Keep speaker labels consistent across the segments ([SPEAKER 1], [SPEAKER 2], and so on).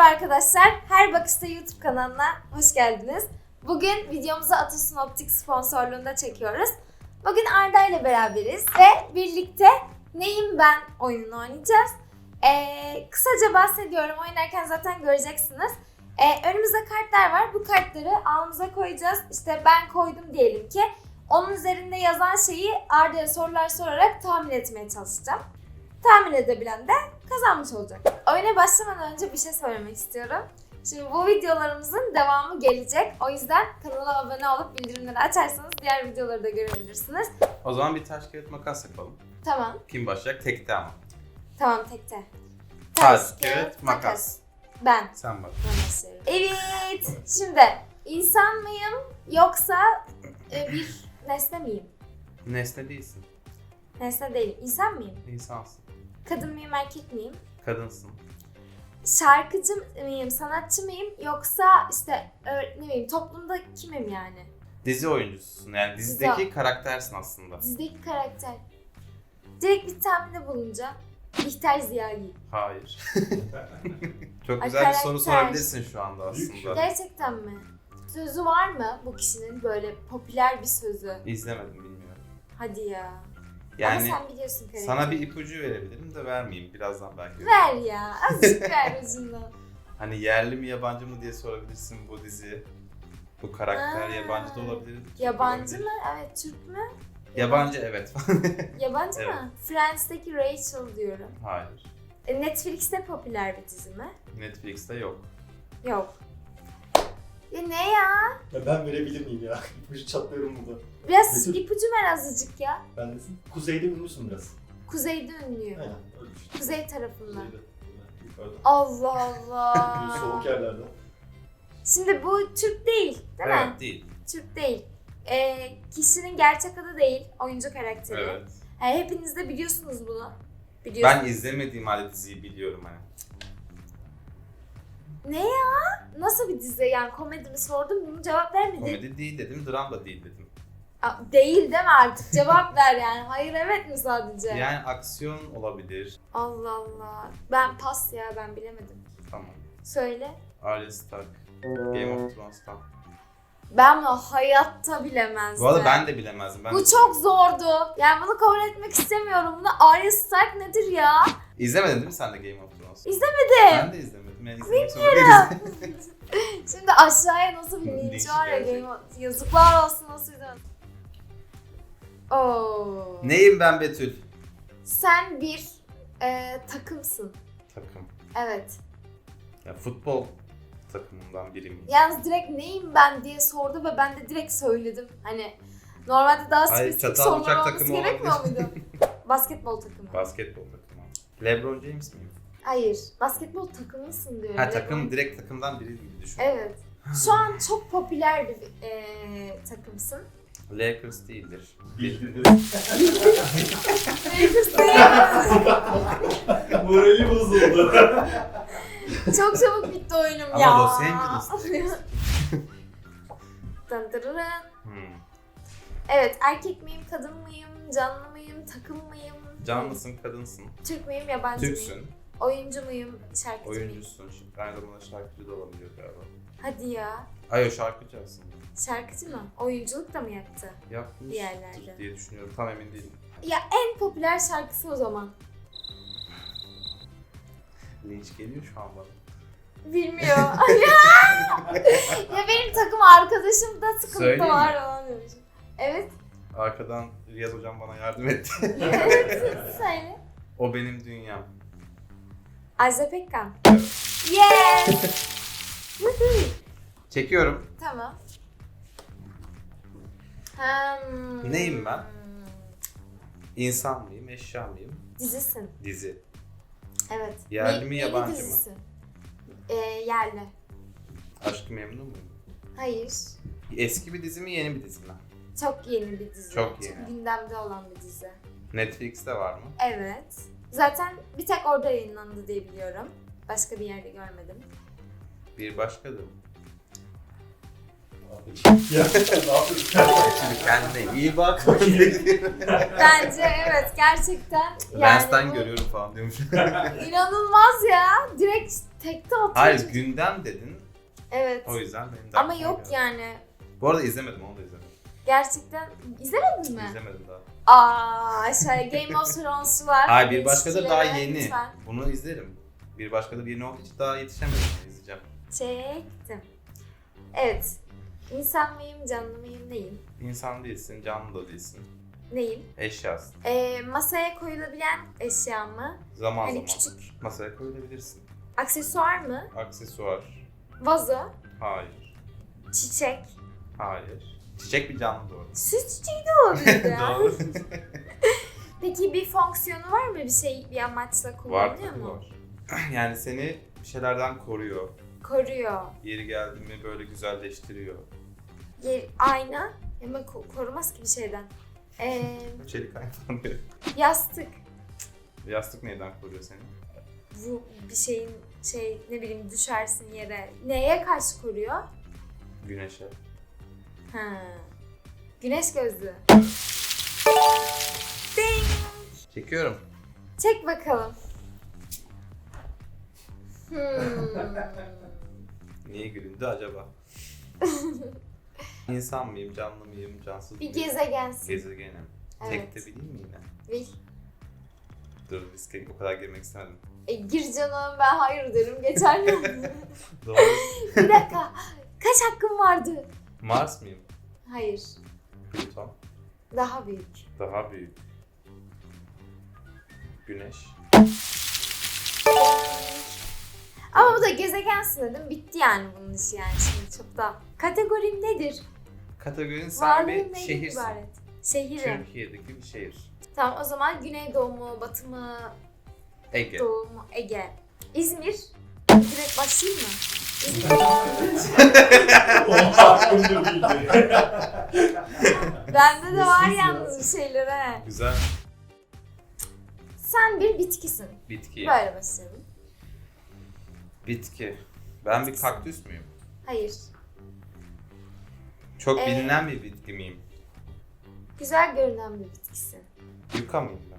[SPEAKER 1] arkadaşlar, Her Bakışta YouTube kanalına hoş geldiniz. Bugün videomuzu Atasun Optik sponsorluğunda çekiyoruz. Bugün Arda ile beraberiz ve birlikte Neyim Ben oyununu oynayacağız. Kısaca bahsediyorum, oynarken zaten göreceksiniz. Önümüzde kartlar var, bu kartları alnımıza koyacağız. İşte ben koydum diyelim ki. Onun üzerinde yazan şeyi Arda'ya sorular sorarak tahmin etmeye çalışacağım. Tahmin edebilen de kazanmış olacak. Oyuna başlamadan önce bir şey söylemek istiyorum. Şimdi bu videolarımızın devamı gelecek. O yüzden kanala abone olup bildirimleri açarsanız diğer videoları da görebilirsiniz.
[SPEAKER 2] O zaman bir taş kağıt makas yapalım.
[SPEAKER 1] Tamam.
[SPEAKER 2] Kim başlayacak? Tekte ama.
[SPEAKER 1] Tamam, tekte.
[SPEAKER 2] Taş, kağıt, makas.
[SPEAKER 1] Ben.
[SPEAKER 2] Sen bak.
[SPEAKER 1] Ben başlıyorum. Evet. Şimdi insan mıyım yoksa bir nesne miyim?
[SPEAKER 2] Nesne değilsin.
[SPEAKER 1] Nesne değilim. İnsan mıyım?
[SPEAKER 2] İnsansın.
[SPEAKER 1] Kadın mıyım, erkek miyim?
[SPEAKER 2] Kadınsın.
[SPEAKER 1] Şarkıcı mıyım, sanatçı mıyım yoksa işte ne bileyim toplumda kimim yani?
[SPEAKER 2] Dizi oyuncususun. Yani dizideki karaktersin aslında.
[SPEAKER 1] Dizideki karakter. Direkt bir tahminde bulunacağım. Bihter Ziyahi.
[SPEAKER 2] Hayır. Çok
[SPEAKER 1] Ay,
[SPEAKER 2] güzel bir soru
[SPEAKER 1] karakter.
[SPEAKER 2] sorabilirsin şu anda aslında.
[SPEAKER 1] Gerçekten mi? Sözü var mı bu kişinin, böyle popüler bir sözü?
[SPEAKER 2] İzlemedim, bilmiyorum.
[SPEAKER 1] Hadi ya.
[SPEAKER 2] Yani
[SPEAKER 1] Ama sen biliyorsun karakteri.
[SPEAKER 2] sana bir ipucu verebilirim de vermeyeyim. Birazdan belki.
[SPEAKER 1] Ver ya. Azıcık ver ucundan.
[SPEAKER 2] Hani yerli mi yabancı mı diye sorabilirsin bu dizi. Bu karakter yabancı da olabilir. Türk
[SPEAKER 1] Yabancı
[SPEAKER 2] olabilir.
[SPEAKER 1] mı? Evet, Türk mü?
[SPEAKER 2] Yabancı, evet.
[SPEAKER 1] Yabancı
[SPEAKER 2] Evet.
[SPEAKER 1] mı? Friends'teki Rachel diyorum.
[SPEAKER 2] Hayır.
[SPEAKER 1] Netflix'te popüler bir dizi mi?
[SPEAKER 2] Netflix'te yok.
[SPEAKER 1] Yok. Ya ne ya?
[SPEAKER 3] Ya ben verebilir miyim ya? İpucu çatlıyorum burada.
[SPEAKER 1] Biraz
[SPEAKER 3] Betül.
[SPEAKER 1] ipucu ver azıcık ya.
[SPEAKER 3] Ben desin. Kuzeyde ünlüsün biraz.
[SPEAKER 1] Kuzeyde ünlüyüm.
[SPEAKER 3] Aynen öyle işte.
[SPEAKER 1] Kuzey tarafından.
[SPEAKER 3] Kuzeyde. Yukarıda.
[SPEAKER 1] Allah
[SPEAKER 3] Böyle soğuk
[SPEAKER 1] Allah.
[SPEAKER 3] yerlerde.
[SPEAKER 1] Şimdi bu Türk değil, değil mi?
[SPEAKER 2] Evet, değil.
[SPEAKER 1] Türk değil. Kişinin gerçek adı değil, oyuncu karakteri.
[SPEAKER 2] Evet.
[SPEAKER 1] Hepiniz de biliyorsunuz bunu. Biliyorsunuz.
[SPEAKER 2] Ben izlemediğim halde diziyi biliyorum hani.
[SPEAKER 1] Ne ya? Nasıl bir dizi? Yani komedi mi sordum, bunu cevap vermedin.
[SPEAKER 2] Komedi değil dedim, dram da değil dedim.
[SPEAKER 1] Değil deme artık, cevap ver yani. Hayır evet mi sadece?
[SPEAKER 2] Yani aksiyon olabilir.
[SPEAKER 1] Allah Allah. Ben pas ya, ben bilemedim.
[SPEAKER 2] Tamam.
[SPEAKER 1] Söyle.
[SPEAKER 2] Arya Stark. Game of Thrones'tan.
[SPEAKER 1] Ben bunu hayatta bilemezdim.
[SPEAKER 2] Bu arada ben de bilemezdim. Ben
[SPEAKER 1] Bu çok zordu. Yani bunu kabul etmek istemiyorum. Bunu Arya Stark nedir ya?
[SPEAKER 2] İzlemedin değil mi sen de Game of Thrones?
[SPEAKER 1] İzlemedim.
[SPEAKER 2] Ben de izlemedim. Yani izlemek zorunda değilim.
[SPEAKER 1] Şimdi aşağıya nasıl bir linç
[SPEAKER 2] Linç
[SPEAKER 1] var ya,
[SPEAKER 2] gelecek.
[SPEAKER 1] yazıklar olsun, nasıl izlemedim. Oo.
[SPEAKER 2] Neyim ben Betül?
[SPEAKER 1] Sen bir takımsın.
[SPEAKER 2] Takım.
[SPEAKER 1] Evet.
[SPEAKER 2] Ya futbol takımından biri miyim?
[SPEAKER 1] Yalnız direkt neyim ben diye sordu ve ben de direkt söyledim. Hani normalde daha
[SPEAKER 2] Hayır,
[SPEAKER 1] spesifik
[SPEAKER 2] çatal
[SPEAKER 1] sorular
[SPEAKER 2] bıçak
[SPEAKER 1] olması
[SPEAKER 2] takımı
[SPEAKER 1] gerekmiyor
[SPEAKER 2] olabilir.
[SPEAKER 1] muydu? Basketbol takımı.
[SPEAKER 2] Basketbol takımı. LeBron James miyim?
[SPEAKER 1] Hayır. Basketbol takımısın diyorum.
[SPEAKER 2] Ha, takım, direkt takımdan biri gibi düşün.
[SPEAKER 1] Evet. Şu an çok popüler bir takımsın.
[SPEAKER 2] Lakers değildir.
[SPEAKER 3] Bildirdi.
[SPEAKER 1] Lakers değil.
[SPEAKER 3] Morali bozuldu.
[SPEAKER 1] Çok çabuk bitti oyunum
[SPEAKER 2] Ama
[SPEAKER 1] ya.
[SPEAKER 2] Los Angeles'ta.
[SPEAKER 1] Dın dırırın.
[SPEAKER 2] Hmm.
[SPEAKER 1] Evet, erkek miyim, kadın mıyım, canlı mıyım, takım mıyım?
[SPEAKER 2] Canlısın, kadınsın.
[SPEAKER 1] Türk müyüm, yabancı mıyım?
[SPEAKER 2] Türksün.
[SPEAKER 1] Oyuncu muyum, şarkıcı mıyım?
[SPEAKER 2] Oyuncusun. Şimdi aynı zamanda şarkıcı da olabiliyor galiba.
[SPEAKER 1] Hadi ya.
[SPEAKER 2] Ay, o şarkıcı aslında.
[SPEAKER 1] Şarkıcı mı? Oyunculuk da mı yaptı?
[SPEAKER 2] Yapmış
[SPEAKER 1] Bir yerlerde.
[SPEAKER 2] diye düşünüyorum. Tam emin değilim.
[SPEAKER 1] Ya en popüler şarkısı o zaman.
[SPEAKER 2] Linç geliyor şu an bana.
[SPEAKER 1] Bilmiyor. Ya benim takım arkadaşım da sıkıntı
[SPEAKER 2] Söyleyeyim
[SPEAKER 1] var
[SPEAKER 2] mi?
[SPEAKER 1] falan demişim. Evet.
[SPEAKER 2] Arkadan Riyaz hocam bana yardım etti.
[SPEAKER 1] Evet. Söyle.
[SPEAKER 2] O benim dünyam.
[SPEAKER 1] Ajda Pekkan.
[SPEAKER 2] Evet.
[SPEAKER 1] Yes.
[SPEAKER 2] Çekiyorum.
[SPEAKER 1] Tamam.
[SPEAKER 2] Neyim ben? İnsan mıyım, eşya mıyım?
[SPEAKER 1] Dizisin.
[SPEAKER 2] Dizi.
[SPEAKER 1] Evet.
[SPEAKER 2] Yerli mi,
[SPEAKER 1] Neyli
[SPEAKER 2] yabancı mı?
[SPEAKER 1] dizisin? Yerli.
[SPEAKER 2] Aşk-ı Memnu muyum?
[SPEAKER 1] Hayır.
[SPEAKER 2] Eski bir dizi mi, yeni bir dizi mi?
[SPEAKER 1] Çok yeni bir dizi.
[SPEAKER 2] Çok yeni.
[SPEAKER 1] Gündemde olan bir dizi.
[SPEAKER 2] Netflix'te var mı?
[SPEAKER 1] Evet. Zaten bir tek orada yayınlandı diye biliyorum. Başka bir yerde görmedim.
[SPEAKER 2] Bir başkadır.
[SPEAKER 3] Ya ne yapıyorsun?
[SPEAKER 2] Şimdi kendine iyi bak.
[SPEAKER 1] Bence evet gerçekten yani
[SPEAKER 2] Lens'ten
[SPEAKER 1] bu
[SPEAKER 2] görüyorum falan diyormuş.
[SPEAKER 1] inanılmaz ya. Direkt tekte atıyor.
[SPEAKER 2] Hayır gündem dedin.
[SPEAKER 1] Evet.
[SPEAKER 2] O yüzden benim de
[SPEAKER 1] Ama
[SPEAKER 2] aklıma
[SPEAKER 1] yok
[SPEAKER 2] geldi.
[SPEAKER 1] yani.
[SPEAKER 2] Bu arada izlemedim, onu da izlemedim.
[SPEAKER 1] Gerçekten izlemedin mi?
[SPEAKER 2] İzlemedim daha.
[SPEAKER 1] Aa aşağıya Game of Thrones'u var.
[SPEAKER 2] Hayır, bir başka da daha
[SPEAKER 1] İlişkilere
[SPEAKER 2] yeni.
[SPEAKER 1] lütfen.
[SPEAKER 2] Bunu izlerim. Bir başka da yeni olduğu için daha yetişemedim. İzleyeceğim.
[SPEAKER 1] Çektim. Evet. İnsan mıyım, canlı mıyım, neyim?
[SPEAKER 2] İnsan değilsin, canlı da değilsin.
[SPEAKER 1] Neyim?
[SPEAKER 2] Eşyasın.
[SPEAKER 1] Masaya koyulabilen eşya mı?
[SPEAKER 2] Zaman
[SPEAKER 1] Hani
[SPEAKER 2] zaman
[SPEAKER 1] küçük
[SPEAKER 2] masaya koyulabilirsin.
[SPEAKER 1] aksesuar mı?
[SPEAKER 2] Aksesuar.
[SPEAKER 1] Vazo,
[SPEAKER 2] Hayır.
[SPEAKER 1] çiçek.
[SPEAKER 2] Hayır. Çiçek bir canlı doğru.
[SPEAKER 1] Süs çiçeği de olabilir ya.
[SPEAKER 2] Doğru.
[SPEAKER 1] Peki bir fonksiyonu var mı? Bir şey bir amaçla
[SPEAKER 2] Var
[SPEAKER 1] kullanılıyor
[SPEAKER 2] tabii
[SPEAKER 1] mu?
[SPEAKER 2] var. Yani seni bir şeylerden koruyor.
[SPEAKER 1] Koruyor.
[SPEAKER 2] Yeri geldi mi böyle güzelleştiriyor.
[SPEAKER 1] Ayna. Ama korumaz ki bir şeyden.
[SPEAKER 2] Çelik aynen diyor.
[SPEAKER 1] Yastık.
[SPEAKER 2] Yastık neyden koruyor seni?
[SPEAKER 1] Bu bir şeyin ne bileyim düşersin yere. Neye karşı koruyor?
[SPEAKER 2] Güneşe.
[SPEAKER 1] Ha. Güneş gözlüğü. Ding.
[SPEAKER 2] Çekiyorum.
[SPEAKER 1] Çek bakalım. Hmm.
[SPEAKER 2] Niye gülündü acaba? İnsan mıyım, canlı mıyım, cansız
[SPEAKER 1] Bir
[SPEAKER 2] mıyım?
[SPEAKER 1] gezegensin.
[SPEAKER 2] Gezegenim.
[SPEAKER 1] Evet.
[SPEAKER 2] Tek de bileyim mi yine?
[SPEAKER 1] Bil.
[SPEAKER 2] Dur riske o kadar girmek istemedim.
[SPEAKER 1] Gir canım ben hayır derim geçer mi?
[SPEAKER 2] Doğru.
[SPEAKER 1] Bir dakika. Kaç hakkım vardı?
[SPEAKER 2] Mars mıyım?
[SPEAKER 1] Hayır.
[SPEAKER 2] Plüton.
[SPEAKER 1] Daha büyük.
[SPEAKER 2] Daha büyük. Güneş.
[SPEAKER 1] Ama bu da gezegensin dedim. Bitti yani bunun işi yani şimdi çok da. Kategorin nedir?
[SPEAKER 2] Kategorin sen
[SPEAKER 1] Varlığın
[SPEAKER 2] bir
[SPEAKER 1] neyden
[SPEAKER 2] şehirsin.
[SPEAKER 1] ibaret? Şehirim.
[SPEAKER 2] Türkiye'deki bir şehir.
[SPEAKER 1] Tamam o zaman Güneydoğu mu, Batı mı,
[SPEAKER 2] Ege.
[SPEAKER 1] Doğu mu, Ege. İzmir. Direkt başlayayım mı? İzmir.
[SPEAKER 3] Oha aklımda bildi.
[SPEAKER 1] Bende de var
[SPEAKER 3] Sessiz ya.
[SPEAKER 1] yalnız bir şeyler he.
[SPEAKER 2] Güzel.
[SPEAKER 1] Sen bir bitkisin.
[SPEAKER 2] Bitki.
[SPEAKER 1] Böyle başlayalım.
[SPEAKER 2] Bitki. Ben bir kaktüs müyüm?
[SPEAKER 1] Hayır.
[SPEAKER 2] Çok
[SPEAKER 1] Ee,
[SPEAKER 2] bilinen bir bitki miyim?
[SPEAKER 1] Güzel görünen bir bitkisin.
[SPEAKER 2] Yuka mıyım ben?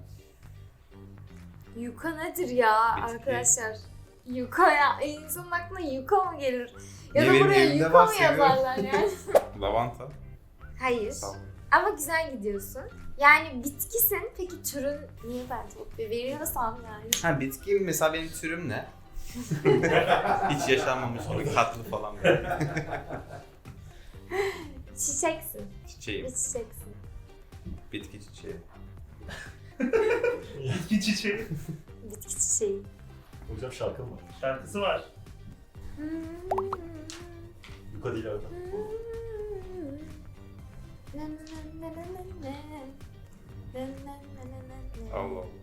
[SPEAKER 1] Yuka nedir ya
[SPEAKER 2] Bitki.
[SPEAKER 1] arkadaşlar? Yuka ya. İnsanın aklına yuka mı gelir? Ya
[SPEAKER 2] Niye,
[SPEAKER 1] da
[SPEAKER 2] benim
[SPEAKER 1] buraya
[SPEAKER 2] evimde
[SPEAKER 1] yuka
[SPEAKER 2] var,
[SPEAKER 1] mı
[SPEAKER 2] seviyorum.
[SPEAKER 1] yazarlar yani?
[SPEAKER 2] Lavanta.
[SPEAKER 1] Hayır.
[SPEAKER 2] Tamam.
[SPEAKER 1] Ama güzel gidiyorsun. Yani bitkisin. Peki türün niye ben çok veriyorsam yani?
[SPEAKER 2] Ha bitki mesela benim türüm ne? Hiç yaşanmamış gibi katlı falan böyle.
[SPEAKER 1] Çiçeksin.
[SPEAKER 2] Çiçeğim.
[SPEAKER 1] Bir çiçeksin.
[SPEAKER 2] Bitki çiçeği.
[SPEAKER 3] İki çiçeği.
[SPEAKER 1] Bitki çiçeği.
[SPEAKER 3] Hocam şarkı mı var?
[SPEAKER 4] Şarkısı var.
[SPEAKER 3] Yuka değil orada.
[SPEAKER 2] Allah Allah.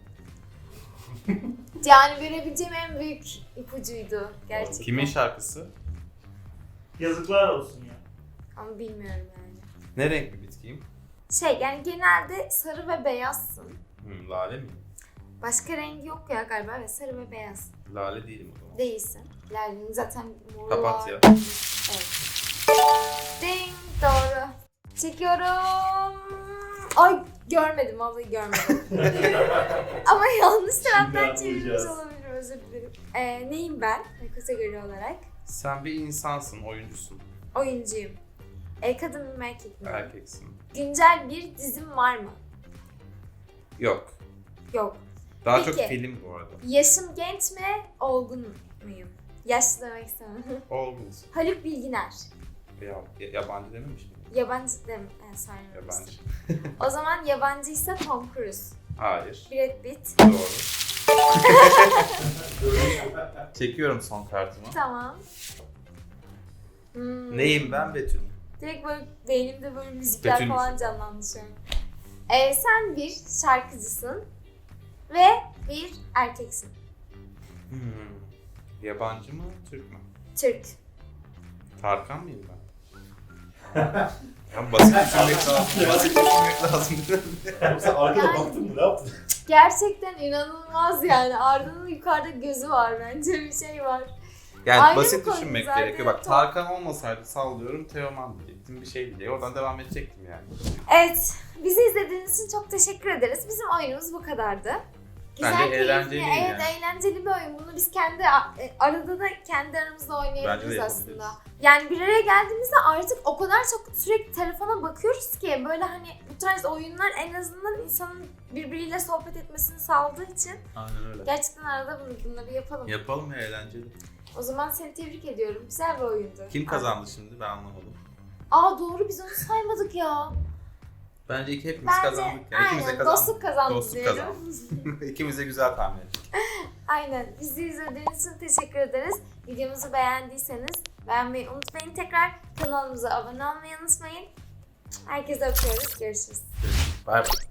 [SPEAKER 1] Yani verebileceğim en büyük ipucuydu gerçekten.
[SPEAKER 2] Kimin şarkısı?
[SPEAKER 4] Yazıklar olsun ya.
[SPEAKER 1] Ama bilmiyorum yani.
[SPEAKER 2] Ne renk bir bitkiyim?
[SPEAKER 1] Yani genelde sarı ve beyazsın.
[SPEAKER 2] Lale miyim?
[SPEAKER 1] Başka rengi yok ya galiba ve sarı ve beyaz.
[SPEAKER 2] Lale değilim o zaman.
[SPEAKER 1] Değilsin. Lale'nin zaten moru
[SPEAKER 2] Papatya.
[SPEAKER 1] var. Evet. Ding doğru. Çekiyorum. Ay görmedim vallahi görmedim. Ama yanlış taraftan
[SPEAKER 3] Şimdi
[SPEAKER 1] çevirmiş
[SPEAKER 3] anlayacağız.
[SPEAKER 1] olabilirim özür dilerim. Neyim ben kategori olarak?
[SPEAKER 2] Sen bir insansın, oyuncusun.
[SPEAKER 1] Oyuncuyum. Kadın mı erkek mi?
[SPEAKER 2] Erkeksin.
[SPEAKER 1] Güncel bir dizim var mı?
[SPEAKER 2] Yok.
[SPEAKER 1] Yok.
[SPEAKER 2] Daha
[SPEAKER 1] Peki.
[SPEAKER 2] çok film bu arada.
[SPEAKER 1] Yaşım genç mi? Olgun muyum? Yaşlı demek istemem.
[SPEAKER 2] Olgunsun.
[SPEAKER 1] Haluk Bilginer.
[SPEAKER 2] Yabancı dememiş miyim?
[SPEAKER 1] Yabancı dem sayılmaz.
[SPEAKER 2] Yabancı.
[SPEAKER 1] O zaman yabancıysa Tom Cruise.
[SPEAKER 2] Hayır.
[SPEAKER 1] Brad Pitt.
[SPEAKER 2] Doğru. Çekiyorum son kartımı.
[SPEAKER 1] Tamam.
[SPEAKER 2] Neyim ben Betül?
[SPEAKER 1] Direkt böyle beynimde böyle müzikler
[SPEAKER 2] Betül
[SPEAKER 1] falan
[SPEAKER 2] müsün?
[SPEAKER 1] canlandı şu an. Sen bir şarkıcısın ve bir erkeksin.
[SPEAKER 2] Yabancı mı, Türk mü?
[SPEAKER 1] Türk.
[SPEAKER 2] Tarkan mıyım ben? Ya basit düşünmek lazım. Basit düşünmek lazım.
[SPEAKER 3] Oğlum sen arkada
[SPEAKER 1] Yani-
[SPEAKER 3] baktın mı? Ne yaptın?
[SPEAKER 1] Gerçekten inanılmaz yani. Arda'nın yukarıda gözü var bence bir şey var.
[SPEAKER 2] Yani
[SPEAKER 1] Ayrı
[SPEAKER 2] basit
[SPEAKER 1] bir
[SPEAKER 2] düşünmek
[SPEAKER 1] konu zaten,
[SPEAKER 2] gerekiyor. Bak
[SPEAKER 1] çok.
[SPEAKER 2] Tarkan olmasaydı sallıyorum Teoman diyecektim. Bir şey diyecektim. Oradan devam edecektim yani.
[SPEAKER 1] Evet, bizi izlediğiniz için çok teşekkür ederiz. Bizim oyunumuz bu kadardı.
[SPEAKER 2] Bence
[SPEAKER 1] keyifli.
[SPEAKER 2] eğlenceliydi
[SPEAKER 1] Evet,
[SPEAKER 2] yani.
[SPEAKER 1] eğlenceli bir oyun. Bunu biz kendi arada da kendi aramızda
[SPEAKER 2] Bence de
[SPEAKER 1] oynayabiliriz
[SPEAKER 2] yapabiliriz.
[SPEAKER 1] aslında. Yani bir araya geldiğimizde artık o kadar çok sürekli telefona bakıyoruz ki böyle hani bu tarz oyunlar en azından insanın birbiriyle sohbet etmesini sağladığı için
[SPEAKER 2] Aynen öyle.
[SPEAKER 1] gerçekten arada bunları yapalım.
[SPEAKER 2] Yapalım ya, eğlenceli.
[SPEAKER 1] O zaman seni tebrik ediyorum. Güzel bir oyundu.
[SPEAKER 2] Kim kazandı şimdi ben anlamadım.
[SPEAKER 1] Aa doğru, biz onu saymadık ya.
[SPEAKER 2] Bence hepimiz
[SPEAKER 1] Bence
[SPEAKER 2] kazandık. Yani. İkimiz de
[SPEAKER 1] aynen
[SPEAKER 2] kazandık.
[SPEAKER 1] dostluk kazandı
[SPEAKER 2] Dostluk
[SPEAKER 1] diyelim.
[SPEAKER 2] kazandı. İkimiz de güzel tahmin ettik.
[SPEAKER 1] Aynen. Bizi izlediğiniz için teşekkür ederiz. Videomuzu beğendiyseniz beğenmeyi unutmayın. Tekrar kanalımıza abone olmayı unutmayın. Herkese öpüyoruz. Görüşürüz.
[SPEAKER 2] Bye bye.